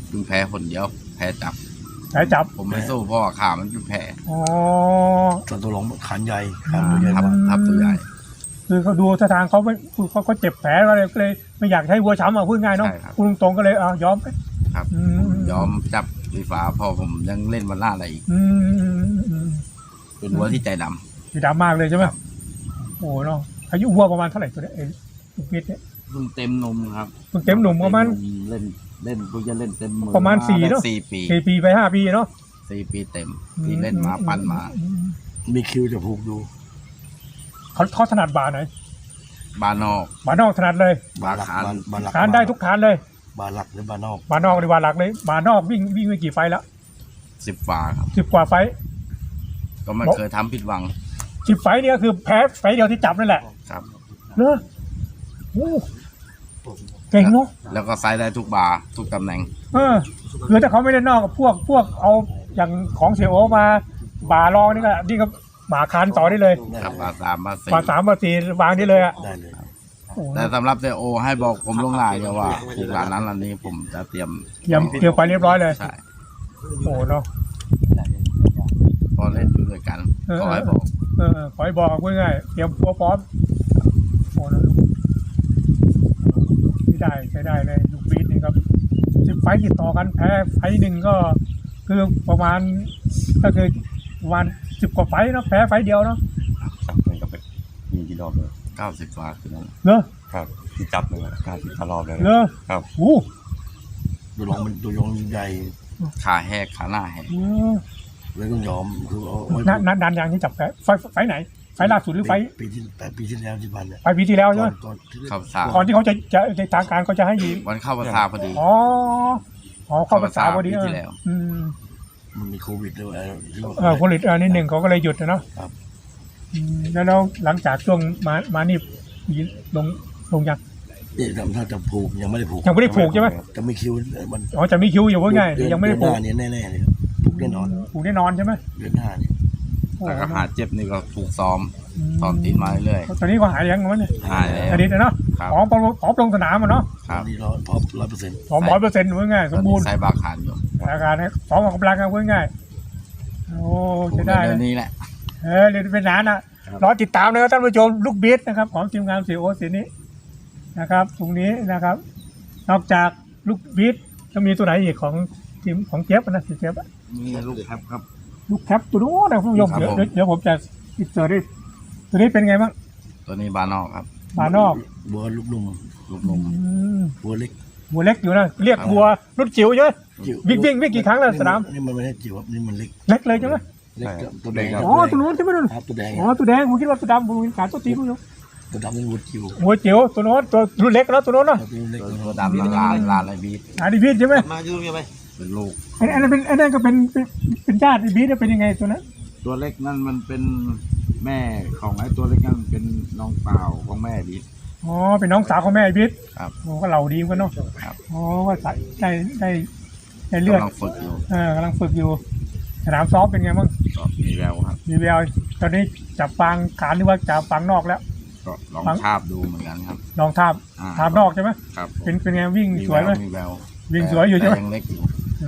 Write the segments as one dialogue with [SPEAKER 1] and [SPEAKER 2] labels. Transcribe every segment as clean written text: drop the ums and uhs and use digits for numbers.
[SPEAKER 1] เพิ่งแพ้คนเดียวแพ้จับผมไม่สู้เพราะว่าขามันเป็นแผล
[SPEAKER 2] อ๋อ
[SPEAKER 3] ส่วนตัวหลงขันใหญ่ขันตัวใหญ่
[SPEAKER 1] ทับตัวใหญ่
[SPEAKER 2] คือเขาดูท่าทางเขาไม่เขาเจ็บแผลก็เลยไม่อยากให้วัวช้ำพูดง่ายเนาะคุณตรงก็เลยยอม
[SPEAKER 1] ครับยอมจับไฟฟ้าพอผมยังเล่นวันล่าอะไรอีกเป็นวัวที่ใจด
[SPEAKER 2] ำมากเลยใช่ไหมโอ้เนาะอายุวัวประมาณเท่าไหร่ตัวนี้ลูกพิษเนี่ย
[SPEAKER 1] เพิ่งเต็มนมครับ
[SPEAKER 2] เพิ่งเต็มนมประมาณ
[SPEAKER 1] เล่นเพิ่งจะเล่นเต็มมือ
[SPEAKER 2] ประมาณ4เนาะ4 ปีไป5 ปีเนาะ
[SPEAKER 1] 4 ปีเต็มที่เล่นมาปั้นมา
[SPEAKER 3] มีคิวจะผูกดู
[SPEAKER 2] เขาถนัดบาไหน
[SPEAKER 1] บาน
[SPEAKER 2] อกถนัดเลย
[SPEAKER 1] บา
[SPEAKER 2] คานได้ทุกคานเลย
[SPEAKER 3] บาหลักหรือบานอก
[SPEAKER 2] หรือบาหลักเลยบานอกวิ่งไปกี่ไฟแล้ว
[SPEAKER 1] 10 ฝาครับ
[SPEAKER 2] 10 กว่าไฟ
[SPEAKER 1] ก็ไม่เคยทำผิดหวัง
[SPEAKER 2] 10 ไฟเนี่ยคือแพ้ไฟเดียวที่จับนั่นแหละ
[SPEAKER 1] ครับ
[SPEAKER 2] เนอะโอ้เก่งเนาะ
[SPEAKER 1] แล้วก็ไซส์ได้ทุกบาทุกตำแหน่ง
[SPEAKER 2] คือถ้าเขาไม่ได้นอกกับพวกเอาอย่างของเสียโอมาบารองนี่ก็บาคานต่อได้เลย
[SPEAKER 1] ครับบา3 บา 4
[SPEAKER 2] บา3 บา 4วางได้เลยอ่ะ
[SPEAKER 1] แต่สำหรับเสียโอให้บอกผมล่วงหน้าเนี่ยว่าถูกร้านนั้นร้านนี้ผมจะเตรียม
[SPEAKER 2] ไปเรียบร้อยเลย
[SPEAKER 1] ใช่
[SPEAKER 2] โอ้เนาะ
[SPEAKER 1] พอเล่นด้วยกันขอให้บอก
[SPEAKER 2] ขอให้บอกง่ายๆเตรียมตัวพร้อมโอ้นะใช้ได้เลยลูกบีทนี่ครับ10 ไฟติดต่อกันแพ้ไฟหนึ่งก็คือประมาณก็คือประมาณ10 กว่าไฟเนาะแพ้ไฟเดียวเนาะ
[SPEAKER 4] ครับมันก็เป็นมีกี่รอบเลย
[SPEAKER 1] 90 ฝาคือนั่น
[SPEAKER 2] เนอะ
[SPEAKER 4] ครับที่จับเลย90 รอบเลย
[SPEAKER 2] เนอะ
[SPEAKER 4] ครับ
[SPEAKER 3] ตัวลงมันตัวลงใหญ่
[SPEAKER 1] ขาแหกขาหน้าแหก
[SPEAKER 3] เลยต้องยอมคือ
[SPEAKER 2] ดันยางที่จับแพ้ไฟไหนไฟล่าสุดหรือไฟ
[SPEAKER 3] ปีที่แล้วที่ผ่านเนี่ย
[SPEAKER 2] ปีที่แล้วใช่ไหมก่อนที่เขาจะในทางการเขาจะให้ยี
[SPEAKER 1] วันเข้าพรรษาพอดี
[SPEAKER 2] เข้าพรรษาพอดี
[SPEAKER 1] ที่แล้ว
[SPEAKER 3] มันมีโควิดด้วย
[SPEAKER 2] โควิดนิดหนึ่งเขาก็เลยหยุดนะเนาะแล้วหลังจากช่วงมานี่ลงยัง
[SPEAKER 3] นี่ทำท่าจะผูกยังไม่ได้ผูก
[SPEAKER 2] ใช่ไหม
[SPEAKER 3] จะมีคิวมัน
[SPEAKER 2] จะมีคิวอยู่ว่าไงยังไม่ได้ผูก
[SPEAKER 3] เนี่ยแน่ๆเลยผูกแน่
[SPEAKER 2] นอนใช่ไหม
[SPEAKER 3] เดือนหน้าเนี่ย
[SPEAKER 1] แต่ก็หาเจ็บนี่ก็ถูกซ้อมตีนมาเรื่อย
[SPEAKER 2] ตอนนี้ก็หายยังมั้งเนี่ย
[SPEAKER 1] หายแล้ว
[SPEAKER 2] อดีตเนาะพร้อมลงสนามเนาะ
[SPEAKER 1] ครับ
[SPEAKER 3] นี่พร้อม100%
[SPEAKER 2] พร้อม100%ว่าไงสมบูรณ์
[SPEAKER 1] ใส่บาคานอยู่
[SPEAKER 2] อาการพร้อมออกกำลังกันว่าไงโอ้จะได้
[SPEAKER 1] เรื่องนี้แหละ
[SPEAKER 2] เรียนเป็นนานนะรอติดตามนะครับท่านผู้ชมลูกบีทนะครับของทีมงานเสียโอเสียนี้นะครับตรงนี้นะครับนอกจากลูกบีทจะมีตัวไหนอีกของทีมของเจี๊ยบนะเจี๊ยบ
[SPEAKER 1] มีลูกแคปครับ
[SPEAKER 2] ลูกแคปตัวนู้นนะคุณผู้ชมเดี๋ยวผมจะอินเสิร์ตตัวนี้เป็นไงบ้าง
[SPEAKER 1] ตัวนี้บานอกครับ
[SPEAKER 2] บานอก
[SPEAKER 3] บัวลูกนุ่มบัวเล็ก
[SPEAKER 2] อยู่นะเรียกบัวรุ่นจิ๋วใช่ไหมวิ่งกี่ครั้งแล้วสนาม
[SPEAKER 3] นี่มันไม่ใช่จิ๋วนี่มันเ
[SPEAKER 2] ล็กเลยใช่ไหม
[SPEAKER 3] ตัวแดง
[SPEAKER 2] ตัวนู้นใช่ไหม
[SPEAKER 3] ตัวแดง
[SPEAKER 2] ตัวแดงผมคิดว่าตัวดำผมขาตัวตีคุณผู้ชม
[SPEAKER 3] ตัวดำนี่วัวจิ๋ว
[SPEAKER 2] ตัวโน้นตัวรุ่นเล็กแล้วตัวโน้นเนาะ
[SPEAKER 1] ตัวดำลาอะไรบีท
[SPEAKER 2] บีทใช่ไหม
[SPEAKER 3] มาดูยังไง
[SPEAKER 1] เป็นลูก
[SPEAKER 2] อันนั้นก็เป็นญาติบีทเป็นยังไงตัวนั้น
[SPEAKER 1] ตัวเล็กนั่นมันเป็นแม่ของไอ้ตัวเล็กนั่นเป็นน้องสาวของแม่บีท
[SPEAKER 2] เป็นน้องสาวของแม่บีท
[SPEAKER 1] ครับ
[SPEAKER 2] ก็เหล่าดีกันเนาะ
[SPEAKER 1] ครับ
[SPEAKER 2] ก็ใส่ได้เลือด
[SPEAKER 1] กำลังฝึกอยู่
[SPEAKER 2] สนามซ้อมเป็นไงบ้าง
[SPEAKER 1] มีแววครับ
[SPEAKER 2] มีแววตอนนี้จับฟางขานหรือว่าจับฟางนอกแล้ว
[SPEAKER 1] ก็ลองทาบดูเหมือนกันครับ
[SPEAKER 2] ลองทาบนอกใช่ไหม
[SPEAKER 1] ครับ
[SPEAKER 2] เป็นไงวิ่งสวยไหม
[SPEAKER 1] มีแวว
[SPEAKER 2] วิ่งสวยอยู่ใช่ไหม
[SPEAKER 1] ยังเล็กอยู่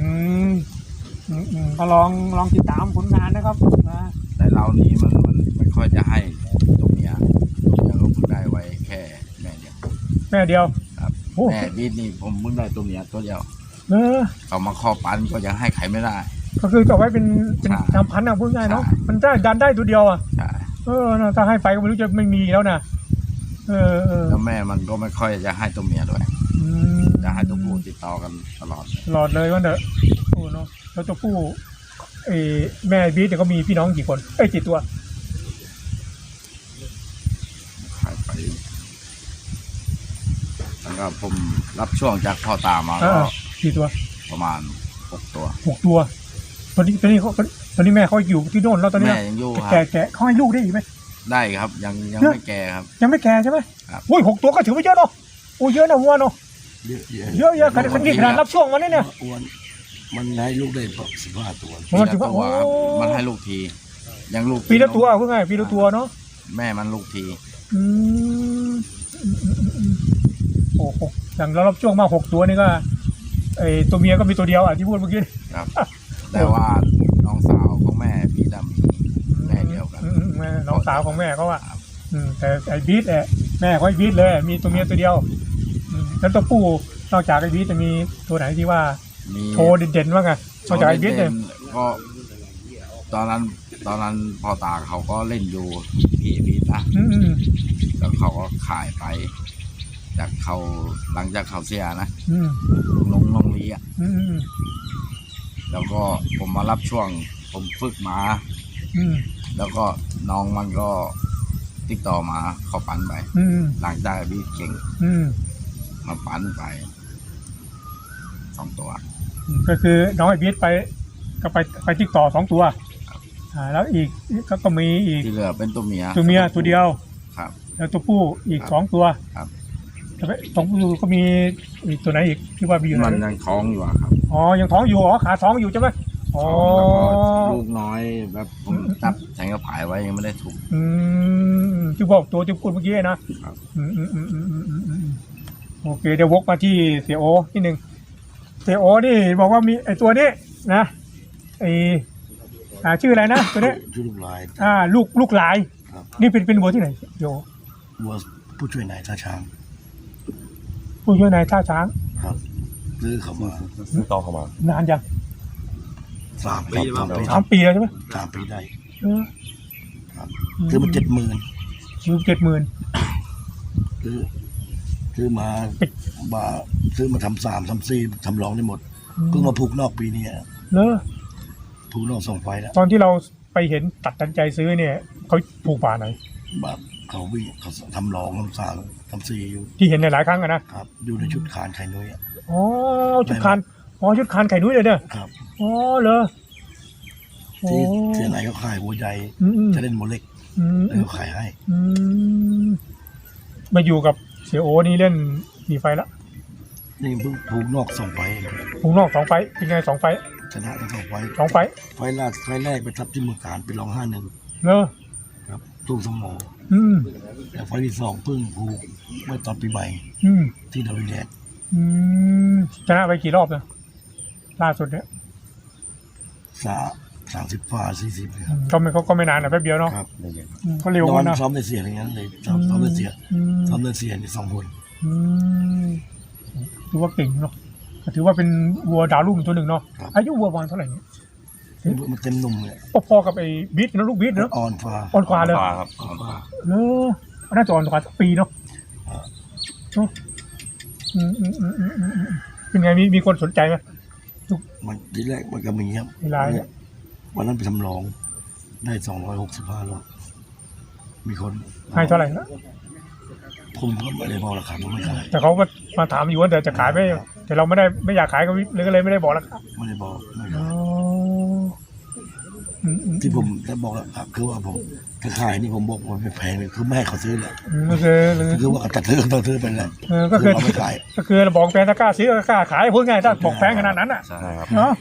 [SPEAKER 2] ก็ลองติดตามผลงานนะครับ
[SPEAKER 1] แต่เรานี้มันไม่ค่อยจะให้ตรงนี้ก็เพิ่งได้ไว้แค่แม่เดียวครับแม่บีทนี่ผมเพิ่งได้ตัวนี้ตัวเดียวเอามาข้อปันก็ยังให้ใครไม่ได้
[SPEAKER 2] ก็คือจะไว้เป็นทำพันธุ์นะพูดง่ายเนาะมันได้ดันได้ตัวเดียวถ้าให้ไปก็ไม่รู้จะไม่มีแล้วนะ
[SPEAKER 1] แล้วแม่มันก็ไม่ค่อยจะให้ตัวเมียด้วยจะให้ตัวผู้ติดต่อกันตลอด
[SPEAKER 2] เลยว่าเด้อโอ้เนาะแล้วตัวผู้แม่บีทเนี่ยก็มีพี่น้องกี่คนกี่ตัว
[SPEAKER 1] ขายไปแล้วก็ผมรับช่วงจากพ่อตามา
[SPEAKER 2] กี่ตัว
[SPEAKER 1] ประมาณ6 ตัว
[SPEAKER 2] ตอนนี้แม่เขาอยู่ที่โน่นแล้วตอนนี้
[SPEAKER 1] แม่ยังอยู่ครับ
[SPEAKER 2] แก่เขาให้ลูกได้อีกไหม
[SPEAKER 1] ได้ครับยังไม่แก่ครับ
[SPEAKER 2] ยังไม่แก่ใช่ไหมอุ้ย6 ตัวก็ถือว่าเยอะเนาะเยอะนะวัวเนาะเยอะขนาดรับช่วงมันเนี่ย
[SPEAKER 3] มันให้ลูกได้15 ตัว
[SPEAKER 1] มันให้ลูกทียังลูก
[SPEAKER 2] ปีละตัวเพื่อไงปีละตัวเนาะ
[SPEAKER 1] แม่มันลูกที
[SPEAKER 2] โอ้โหอย่างเรารับช่วงมา6 ตัวนี่ก็ไอ้ตัวเมียก็มีตัวเดียวที่พูดเมื่อกี้
[SPEAKER 1] ครับ แต่ว่าน้องสาวของแม่บีดมีแม่เดียวกัน
[SPEAKER 2] น้องสาวของแม่เขาว่าแต่ไอ้บีทแม่เขาไอ้บีทเลยมีตัวเมียตัวเดียวแล้วตัวผู้นอกจากไอ้บีทจะมีตัวไหนที่ว่าโชว์เด่นๆบ้างไงนอกจากไอ้บีทเนี่ย
[SPEAKER 1] ก็ตอนนั้นพ่อตาเขาก็เล่นอยู่พี่บีดนะแล้วเขาก็ขายไปจากเขาหลังจากเขาเสียนะลงลีอ่ะแล้วก็ผมมารับช่วงผมฝึกมาแล้วก็น้องมันก็ติดต่อมาเขาปั้นไปหลังจากบีเก่งมาปั้นไป2 ตัว
[SPEAKER 2] ก็คือน้องไอ้บีทก็ไปติดต่อ2 ตัวแล้วอีกก็มีอีก
[SPEAKER 1] ที่เหลือเป็นตัวเมีย
[SPEAKER 2] ตัวเดียว
[SPEAKER 1] ครับ
[SPEAKER 2] แล้วตัวผู้อีก2 ตัว
[SPEAKER 1] ครับ
[SPEAKER 2] 2 ตัวก็มีอีกตัวไหนอีกที่ว่ามีอยู่ไหน
[SPEAKER 1] มันยังท้องอยู่ครับ
[SPEAKER 2] ยังท้องอยู่ขาท้องอยู่ใช่ไหม
[SPEAKER 1] ลูกน้อยแบบผมจับแทงกระผายไว้ยังไม่ได้ถูก
[SPEAKER 2] ที่บอกตัวที่พูดเมื่อกี้นะโอเคเดี๋ยววกมาที่เสียโอนิดนึงเสียโอนี่บอกว่ามีไอตัวนี้นะไอชื่ออะไรนะตัวนี้
[SPEAKER 3] ชื่อลูกลาย
[SPEAKER 2] ลูกลายนี่เป็นวัวที่ไหนโย
[SPEAKER 3] วัวผู้ช่วยนายท่าช้าง
[SPEAKER 2] ผู้ช่วยนายท่าช้าง
[SPEAKER 3] ครับซื้อเขามา
[SPEAKER 4] ซื้อต่อเข้ามาน
[SPEAKER 2] านยัง
[SPEAKER 3] 3 ปี
[SPEAKER 2] 3 ปีแล้วใช่ไหม
[SPEAKER 3] 3 ปีได้ครับซื้อมา70,000
[SPEAKER 2] ซื้อ70,000
[SPEAKER 3] ซื้อมาซื้อมาทำ3 ทำ 4ทำรองได้หมดเพิ่งมาผูกนอกปีนี้ผูกนอก2 ไฟแล้ว
[SPEAKER 2] ตอนที่เราไปเห็นตัดสินใจซื้อเนี่ยเขาผูกป่าไหน
[SPEAKER 3] แบบเขาทำรองทำ3 ทำ 4อยู่
[SPEAKER 2] ที่เห็นในหลายครั้งนะครับ
[SPEAKER 3] อยู่ในชุดคานไข่นุ้ย
[SPEAKER 2] ชุดคานชุดคานไข่นุ้ยเลยเนี่ย
[SPEAKER 3] ครับ
[SPEAKER 2] เหรอ
[SPEAKER 3] ที่เสียไหนเขาขายหัวใหญ่จะเล่นโมเล็กแล้วเขาขายให้
[SPEAKER 2] มาอยู่กับเสียโอนี่เล่นกี่ไฟแล้ว
[SPEAKER 3] นี่เพิ่งผูกนอก2 ไฟ
[SPEAKER 2] ผูกนอก2 ไฟเป็นไง2 ไฟ
[SPEAKER 3] ชนะทั้ง2 ไฟ
[SPEAKER 2] 2 ไฟ
[SPEAKER 3] ไฟแรกไปทับที่เมืองการไปรอง5-1
[SPEAKER 2] เนอะ
[SPEAKER 3] ครับตู้สมอแต่ไฟที่2เพิ่งผูกเมื่อตอนปีใหม่ที่ดาวินแดด
[SPEAKER 2] ชนะไปกี่รอบนะล่าสุดเนี่ย
[SPEAKER 3] 30 ฝ่า 40ครับ
[SPEAKER 2] ก็ไม่นานนะแป๊บเดียวเนาะก็เร็วนะ
[SPEAKER 3] ซ้อมในเสียอย่างนั้นเลยซ้อมในเสียนี่2 คน
[SPEAKER 2] ถือว่าเก่งเนาะถือว่าเป็นวัวดาวรุ่งตัวหนึ่งเนาะอายุวัวประมาณเท่าไหร่เนี่ย
[SPEAKER 3] มันเต็มหนุ่มเลย
[SPEAKER 2] พอกับไอ้บิ๊ดนะลูกบิ๊ดเนาะ
[SPEAKER 3] อ่อน
[SPEAKER 2] กว่าเลย
[SPEAKER 4] ครับ
[SPEAKER 2] เนอะน่าจะอ่อนกว่าสักปีเนาะเป็นไงมีคนสนใจไหม
[SPEAKER 3] มันทีแรกมันก็มีครับวันนั้นไปทำรองได้265โลมีคน
[SPEAKER 2] ให้เท่าไหร่นะ
[SPEAKER 3] ผมก็ไม่ได้บอกราคาผมไม่ขาย
[SPEAKER 2] แต่เขาก็มาถามอยู่ว่าเดี๋ยวจะขายไหมแต่เราไม่อยากขายก็เลยไม่ได้บอกราคา
[SPEAKER 3] ไม่ได้บอกที่ผมจะบอกคือว่าผมถ้าขายนี่ผมบอกว่าไม่แพงเลยคือไม่ให้เขาซื้อแหละคือว่าตัดซื้อต้องซื้อไปแหละ
[SPEAKER 2] ก็คือเราไม่ขายก็คือเราบอกแฟนถ้ากล้าซื้อกล้าขายพูดง่ายถ้าบอกแพงขนาดนั้นอ่ะเนาะ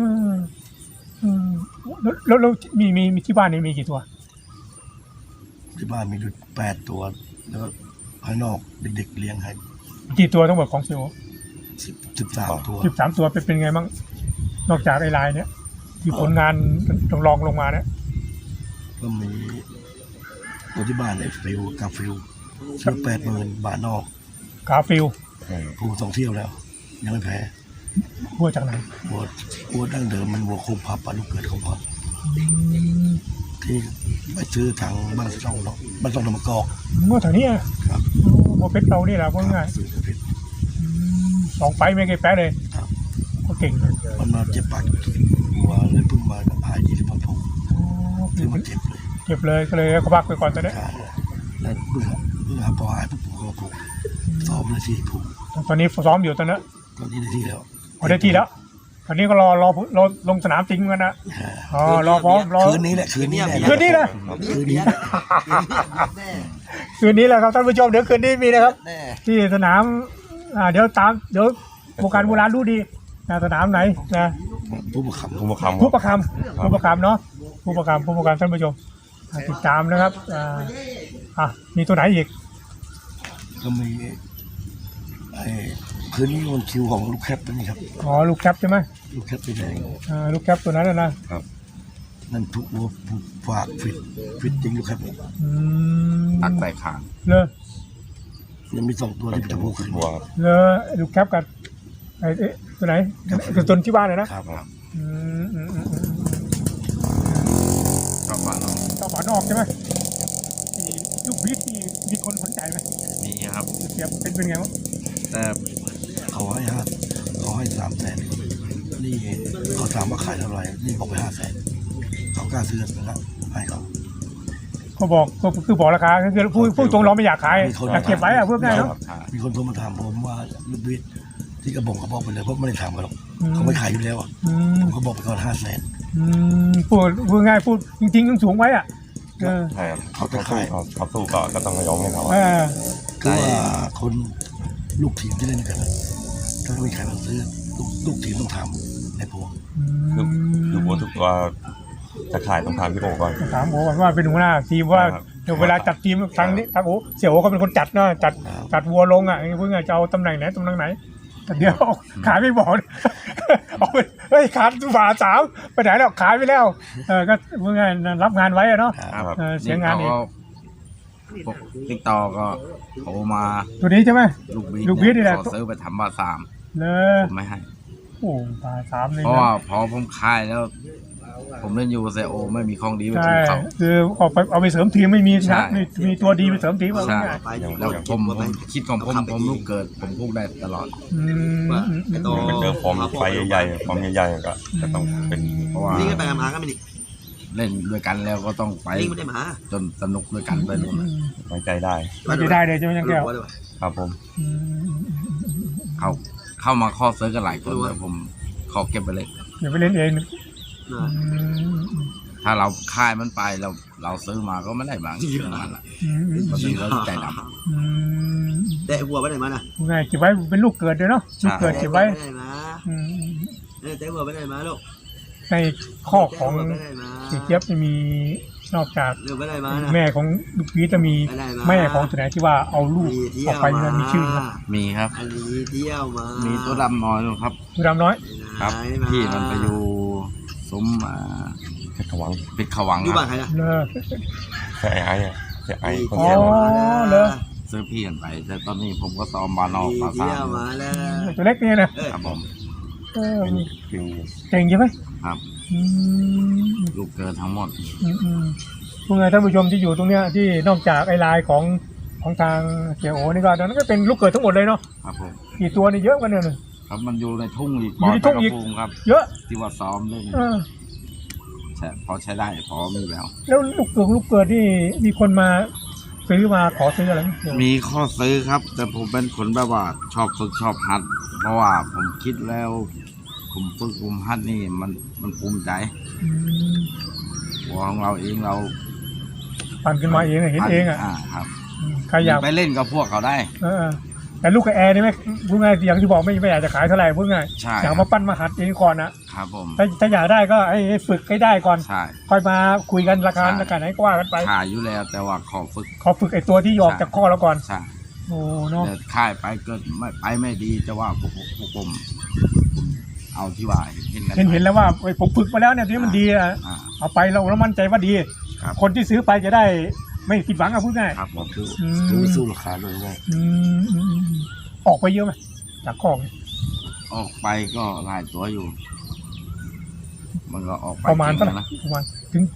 [SPEAKER 2] แล้วมีที่บ้านนี่มีกี่ตัว
[SPEAKER 3] ที่บ้านมีอยู่8 ตัวแล้วข้างนอกเด็กๆเลี้ยงให้
[SPEAKER 2] กี่ตัวทั้งหมดของเซโอ
[SPEAKER 3] 13 ตัว
[SPEAKER 2] 13 ตัวเป็นไงบ้างนอกจากไอ้ลายเนี้ยที่ผลงานรองลงมาเนี่ย
[SPEAKER 3] ก็มีตัวที่บ้านไอ้ฟิวกาฟิวซื้อ80,000 บาทนอก
[SPEAKER 2] กาฟิว
[SPEAKER 3] ผู2 เที่ยวแล้วยังไม่แพ้
[SPEAKER 2] วัวจากไหน
[SPEAKER 3] วัวดั้งเดิมมันวัวคงพับปลาลูกเกิดคงพับที่ไปซื้อทางบ้านช่องเนาะบ้านช่องธรรมกอก
[SPEAKER 2] วัวแถวนี้ครับวัวเพชรเรานี่แหละพูดง่าย2 ไฟไม่เคยแพ้เลยก็เก่ง
[SPEAKER 3] มันมาเจ็บปากวัวเลยเพิ่งมาหาย20 วันผมคือมันเจ็บ
[SPEAKER 2] เลยก็เลยเขาพักไปก่อนตอนนี้
[SPEAKER 3] แล้วเพิ่งพอหายปุ๊บผมก็ผูกซ้อมเลยที่ผูก
[SPEAKER 2] ตอนนี้ซ้อมอยู่ตอนนี้
[SPEAKER 3] ได้ที่แล้ว
[SPEAKER 2] ได้ที่แล้วตอนนี้ก็รอลงสนามจริงกันนะรอพร้อมรอ
[SPEAKER 3] คืนนี้แหละคืนนี้แหละ
[SPEAKER 2] คืนนี้แหละครับท่านผู้ชมเดี๋ยวคืนนี้มีนะครับที่สนามเดี๋ยวโบราณรู้ดีสนามไหนนะ
[SPEAKER 3] ผู้ประคำเนาะ
[SPEAKER 2] ผู้ประคำท่านผู้ชมติดตามนะครับมีตัวไหนอีก
[SPEAKER 3] ก็มีไอ้คืนนี้มันคิวของลูกแคปนี่ครับ
[SPEAKER 2] อ๋อลูกแคปใช่ไหม
[SPEAKER 3] ลูกแคปไปแดง
[SPEAKER 2] ลูกแคปตัวนั้นนะ
[SPEAKER 3] นั่นทุกวัวฝากฟิตจริงลูกแคป
[SPEAKER 1] ตักใส่ขาง
[SPEAKER 2] เลย
[SPEAKER 3] ยังมี2ตัวที่จะพูดขึ้น
[SPEAKER 4] บัวครับ
[SPEAKER 2] เลยลูกแคปกับไอ้ตัวไหนคือตัวที่บ้านเลยนะครับ
[SPEAKER 1] ครับ
[SPEAKER 2] ต้อง
[SPEAKER 1] ก็ว่าเรา
[SPEAKER 2] หวานออกใช่ไหมลูกพีชที่มีคนสนใจไหม
[SPEAKER 1] มีครับ
[SPEAKER 2] เสียบเป็นไงวะ
[SPEAKER 1] แต่
[SPEAKER 3] เขาให้300,000นี่เขาถามว่าขายเท่าไหร่นี่บอกไป500,000เขากล้าซื้อนะครับให้เขา
[SPEAKER 2] ก็บอกก็คือบอกราคาคือพูดตรงเราไม่อยากขายอยากเก็บไว้อะเพื่อง่ายเนาะ
[SPEAKER 3] มีคนโทรมาถามผมว่าลูกบิดที่กระบอกเขาบอกไปเลยเพราะไม่ได้ถามกันหรอกเขาไม่ขายอยู่แล้วผมก็บอกไปก่อน500,000
[SPEAKER 2] พูดง่ายพูดจริงๆสูงไว้อ่ะ
[SPEAKER 4] ใช่ครับเขาสู้ก็ต้องยอมให้เขา
[SPEAKER 3] คือว่าคนลูกทีมที่เล่นกันถ้าไม่มีใครมาซื้อลูกทีมต้องถามในพวง
[SPEAKER 4] คือบัวทุกตัวจะขายต้องถามพี่โอก่อน
[SPEAKER 2] ถามโอ้ว่าเป็นหัวหน้าทีมว่าเดี๋ยวเวลาจัดทีมทางนี้ทางโอ้เสี่ยวเขาเป็นคนจัดเนาะจัดวัวลงอ่ะเพิ่งจะเอาตำแหน่งไหนตำแหน่งไหนแต่เดี๋ยวขายไม่บอกเอาไปเฮ้ยขาดฝ่า3ไปไหนแล้วขายไปแล้วก็เพิ่งรับงานไว้เนาะเสียงานอีก
[SPEAKER 1] พวกติ๊กต่อก็โทรมา
[SPEAKER 2] ตัวนี้ใช่ไหม
[SPEAKER 1] ลูก
[SPEAKER 2] ลูกบี
[SPEAKER 1] บี
[SPEAKER 2] ทนี่แหละ
[SPEAKER 1] ขอซื้อไปทำบาสาม
[SPEAKER 2] เล
[SPEAKER 1] ผมไม่ให้
[SPEAKER 2] โอ้ฝ่า3เลย
[SPEAKER 1] เพราะ
[SPEAKER 2] นะ
[SPEAKER 1] ว่าพอผมขายแล้ว ผมเล่นยูเซโอไม่มีของดีไป
[SPEAKER 2] ใช่
[SPEAKER 1] ถึงเขา
[SPEAKER 2] คือเอาไปเสริมทีมไม่มี
[SPEAKER 1] ใช่
[SPEAKER 2] นะมีตัวดีไปเสริมทีมว่า
[SPEAKER 1] ใช่
[SPEAKER 2] ง่าย
[SPEAKER 1] แล้วผมคิดของผมลูกเกิด ผมพูดได้ตลอด
[SPEAKER 4] ไปเจอฟอร์มไฟใหญ่ๆฟอร์มใหญ่ๆก็จะต้องเป็น
[SPEAKER 1] เพราะว่า
[SPEAKER 5] นี่ก็ไปมาก็ไม่ดิ
[SPEAKER 1] เล่นด้วยกันแล้วก็ต้องไป
[SPEAKER 5] นี่ไม่ได้มา
[SPEAKER 1] จนสนุกด้วยกันไปนู่นน่ะ
[SPEAKER 4] ไว้ใจได้
[SPEAKER 2] มันจะได้เลยใช่ไหมยังแก้ว
[SPEAKER 4] ครับผม
[SPEAKER 1] เข้ามาข้อเซิร์ฟกันหลายคนแต่ผมขอเก็บไปเลย
[SPEAKER 2] เดี๋ยวไปเล่นเอง
[SPEAKER 1] ถ้าเราค่ายมันไปเราซื้อมาก็ไม่ได้บางมันละมันเป็นเรื่องใจดำ
[SPEAKER 5] แต่วัวไปไหนมาน่ะ
[SPEAKER 2] ง่ายเก็บไว้เป็นลูกเกิดเลยเนาะลูกเกิดเก็บไว้
[SPEAKER 5] ไปไหนมาแต่วัวไปไหนมาลูก
[SPEAKER 2] ในข้อของ
[SPEAKER 5] ไปไหนมา
[SPEAKER 2] สีเจี๊ยบจะมีนอกจาก
[SPEAKER 5] เรือไปไหนมาน่ะ
[SPEAKER 2] แม่ของลูกพีชจะมีแม่ของตัวไหนที่ว่าเอาลูกออกไปนั้นมีชื่อไหม
[SPEAKER 1] มีครับ
[SPEAKER 5] อันนี้เที่ยวมา
[SPEAKER 1] มี
[SPEAKER 5] มี
[SPEAKER 1] ตัวดำน้อยนะครับ
[SPEAKER 2] ตัวดำน้อย
[SPEAKER 1] ครับพี่มันไปอยู่ซุ้ม
[SPEAKER 4] เพชรขวัง
[SPEAKER 1] ปิดขวัง
[SPEAKER 5] อยู่
[SPEAKER 1] ค
[SPEAKER 5] บ้า
[SPEAKER 1] รั
[SPEAKER 5] น
[SPEAKER 1] บ
[SPEAKER 5] ใครนะ
[SPEAKER 2] เลอ
[SPEAKER 4] เสียไอ้เสียไอ้คน
[SPEAKER 2] อ๋อ
[SPEAKER 4] เสีย
[SPEAKER 2] เหรอ
[SPEAKER 1] ซื้อพี่กันไป แต่ตอนนี้ผมก็ซ้อมบานอกบาซ่า
[SPEAKER 5] เที่ยวมาแล้ว
[SPEAKER 2] ตัวเล็กนี่นะครับ
[SPEAKER 1] ผม
[SPEAKER 4] เป็นคือ
[SPEAKER 2] เก่งใช่ไหม
[SPEAKER 1] ครับ ลูกเกินทั้งหมด
[SPEAKER 2] พวกไงท่านผู้ชมที่อยู่ตรงเนี้ยที่นอกจากไอ้ลายของทางเสี่ยโอนี่ก็ตอนนั้นก็เป็นลูกเกิดทั้งหมดเลยเนาะ
[SPEAKER 1] ครับผม
[SPEAKER 2] กี่ตัวนี่เยอะกันเนี่ย
[SPEAKER 1] ครับมันอยู่ในทุ่งอีก
[SPEAKER 2] อยู่ในทุ่งอีก
[SPEAKER 1] ปดกระพุงครับ
[SPEAKER 2] เยอะ
[SPEAKER 1] ที่ว่าซ้อมเล่น ใช่พอใช้ได้พอมีแล้ว
[SPEAKER 2] แล้วลูกเกิดนี่มีคนมาซื้อมาขอซื้ออะไรไหม
[SPEAKER 1] มีข้อซื้อครับ แต่ผมเป็นคนแบบว่าชอบฝึกชอบฮัด เพราะว่าผมคิดแล้ว ผมฝึกผมฮัดนี่มันภูมิใจหัวของเราเองเรา
[SPEAKER 2] ปั่นขึ้นมาเองอะเห็นเองอ่ะ
[SPEAKER 1] ครับ
[SPEAKER 2] ใครอยาก
[SPEAKER 1] ไปเล่นกับพวกเขาได้
[SPEAKER 2] แต่ลูกกับแอร์นี่ไหมพูดง่ายอย่างที่บอกไม่อยากจะขายเท่าไหร่พูดง่าย
[SPEAKER 1] ใช่
[SPEAKER 2] อยากมาปั้นมาหัดเองก่อนนะครับ
[SPEAKER 1] ผม
[SPEAKER 2] ถ้าอยากได้ก็ให้ฝึกให้ได้ก่อน
[SPEAKER 1] ใช่
[SPEAKER 2] ค่อยมาคุยกันราคา
[SPEAKER 1] ใช่
[SPEAKER 2] ราคาไหนก็ว่ากันไป
[SPEAKER 1] ขายอยู่แล้ว แต่ว่าขอฝึก
[SPEAKER 2] ขอฝึกไอ้ตัวที่ออกจากข้อแล้วก่อน
[SPEAKER 1] ใช่
[SPEAKER 2] โอ้เนาะ
[SPEAKER 1] แต่ค่ายไปเกิดไม่ดีจะว่าพวกผมเอาที่ว่า
[SPEAKER 2] เห็นแล้วว่าผมฝึกมาแล้วเนี่ยที่มันดีอะ
[SPEAKER 1] อ่า
[SPEAKER 2] เอาไปเรามั่นใจว่าดี
[SPEAKER 1] ครับ
[SPEAKER 2] คนที่ซื้อไปจะได้ไม่ผิดหวังอะพูดง่าย
[SPEAKER 1] ครับผม
[SPEAKER 3] คือไม่สู้ราคาเลยว่า
[SPEAKER 2] ออกไปเยอะไหมจากข้อ
[SPEAKER 1] ออกไปก็หลายตัวอยู่ มันก็ออกไป
[SPEAKER 2] ประมาณเท่าไหร่
[SPEAKER 1] จงนะ
[SPEAKER 2] ประมาณ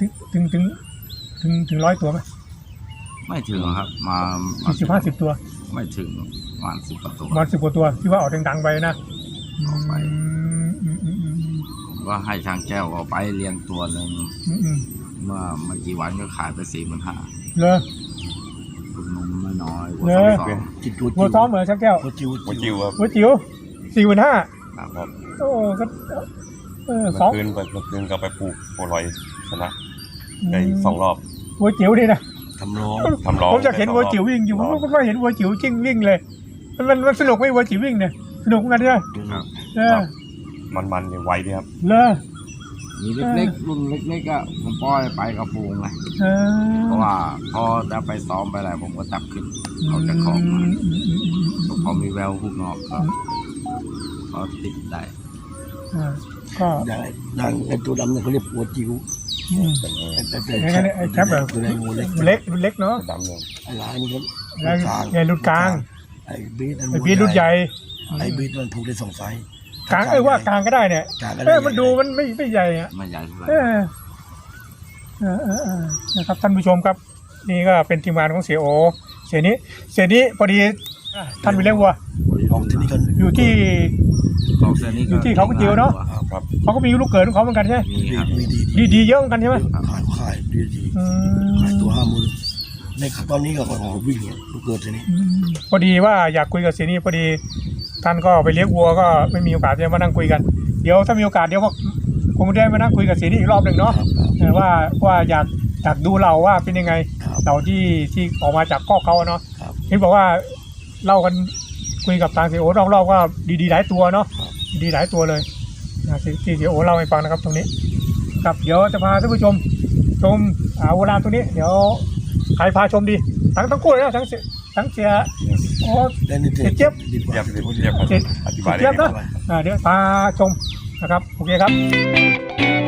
[SPEAKER 2] ถึง100 ตัวไหม
[SPEAKER 1] ไม่ถึงครับ มา
[SPEAKER 2] 40-50 ตัว
[SPEAKER 1] ไม่ถึงประมาณ10 กว่าตัว
[SPEAKER 2] ประมาณ10 กว่าตัวที่ว่าออกดังๆไปนะ
[SPEAKER 1] ออกไป ผมก็ให้ช่างแก้วเอาไปเลี้ยงตัวหนึ่งเมื่อไม่กี่วันก็ขายไป45,000
[SPEAKER 2] เลย
[SPEAKER 1] คุณนมน้อยๆหัว
[SPEAKER 2] เน
[SPEAKER 1] ส
[SPEAKER 2] อะ
[SPEAKER 1] อง
[SPEAKER 3] จิตตัว
[SPEAKER 2] หัวซ้อมเหมือนชักแก้ว
[SPEAKER 3] หัวจิ๋ว
[SPEAKER 4] หัวจิ๋วครับ
[SPEAKER 2] หัวจิ๋ว45,000
[SPEAKER 4] ครับ
[SPEAKER 2] โอ้ก็
[SPEAKER 4] เมื่
[SPEAKER 2] สอง
[SPEAKER 4] อคืนก็ไปปลูกโปรยชนะได้2 รอบ
[SPEAKER 2] หัวจิ๋วนี่นะ
[SPEAKER 3] ทำร้อง
[SPEAKER 4] ทำร้อง
[SPEAKER 2] ผมอยากเห็นวัวจิ๋ววิ่งอยู่ผมก็เห็นวัวจิ๋วจริงวิ่งเลยมันสนุกไหมวัวจิ๋ววิ่งเนี่ยสนุกเหมือนกันใช่ไหม
[SPEAKER 1] ครับ
[SPEAKER 4] มันเนี่ยไวดีครับ
[SPEAKER 2] เลย
[SPEAKER 1] มีเล็กๆรุ่นเล็กๆก็ผมปล่อยไปกับปูงไงเพราะว่าพอจะไปซ้อมไปอะไรผมก็จับขึ้นเขาจะของมาพอมีแววหุกนอกก็เขาติดได้
[SPEAKER 2] ก็
[SPEAKER 3] อย่างไอ้ตัวดำเนี่ยเขาเรียกวัวจิ๋ว
[SPEAKER 2] ไอ้แคปแบบ
[SPEAKER 3] ตัวไหนงูเล็ก
[SPEAKER 2] เล็กเนาะ
[SPEAKER 4] ดำเลย
[SPEAKER 3] ไอ้ลายนี่ก็
[SPEAKER 2] แล้วใหญ่รุ่นกลาง
[SPEAKER 3] ไอ้บีท
[SPEAKER 2] ไอ้พีรุ่นใหญ่
[SPEAKER 3] ไอ้บีทมันผูกได้2 ไซส์
[SPEAKER 2] กลางว่ากลางก็ได้เนี่ย
[SPEAKER 3] กลางก็ได้
[SPEAKER 2] มันดูมันไม่ใหญ่อะ
[SPEAKER 1] ไม่ใหญ่เท่าไหร่
[SPEAKER 2] นะครับท่านผู้ชมครับนี่ก็เป็นทีมงานของเสียโอเสียนี้พอดีท่านไปเลี้ยงวัว
[SPEAKER 3] ของที่นี่ก็
[SPEAKER 2] อยู่ที่
[SPEAKER 1] ของเส้นนี้
[SPEAKER 2] อยู่ที่เขากระจิ๋วเนอะ
[SPEAKER 4] ครับ
[SPEAKER 2] เขาก็มีลูกเกิดของเขาเหมือนกันใช่ไหม
[SPEAKER 1] มีครับ
[SPEAKER 2] ดีเยอะเหมือนกันใช่ไหม
[SPEAKER 3] ขายดี
[SPEAKER 2] อืม
[SPEAKER 3] ขายตัว50,000ในตอนนี้ก็ของวิ่งเนี่ยลูกเกิดที่นี่
[SPEAKER 2] พอดีว่าอยากคุยกับเสียนี้พอดีท่านก็ไปเลี้ยงวัวก็ไม่มีโอกาสจะมานั่งคุยกันเดี๋ยวถ้ามีโอกาสเดี๋ยวก็คงได้มานั่งคุยกับเสียนี้อีกรอบหนึ่งเนาะว่าอยากดูเราว่าเป็นยังไงเราที่ออกมาจากข้อเขาเนาะเห็นบอกว่าเล่ากันคุยกับทางเสียโอรอบๆก็ดีหลายตัวเนาะดีหลายตัวเลยที่เสียโอเล่าให้ฟังนะครับตรงนี้ครับเดี๋ยวจะพาท่านผู้ชมโบราณตัวนี้เดี๋ยวใครพาชมดีทั้งคู่เลยนะทั้งเสียโอ้
[SPEAKER 3] เจี๊ยบดีกว่า
[SPEAKER 4] เรียบอธิบายได้
[SPEAKER 2] เจี๊ยบ
[SPEAKER 4] ดี
[SPEAKER 2] นะเดี๋ยวพาชมนะครับโอเคครับ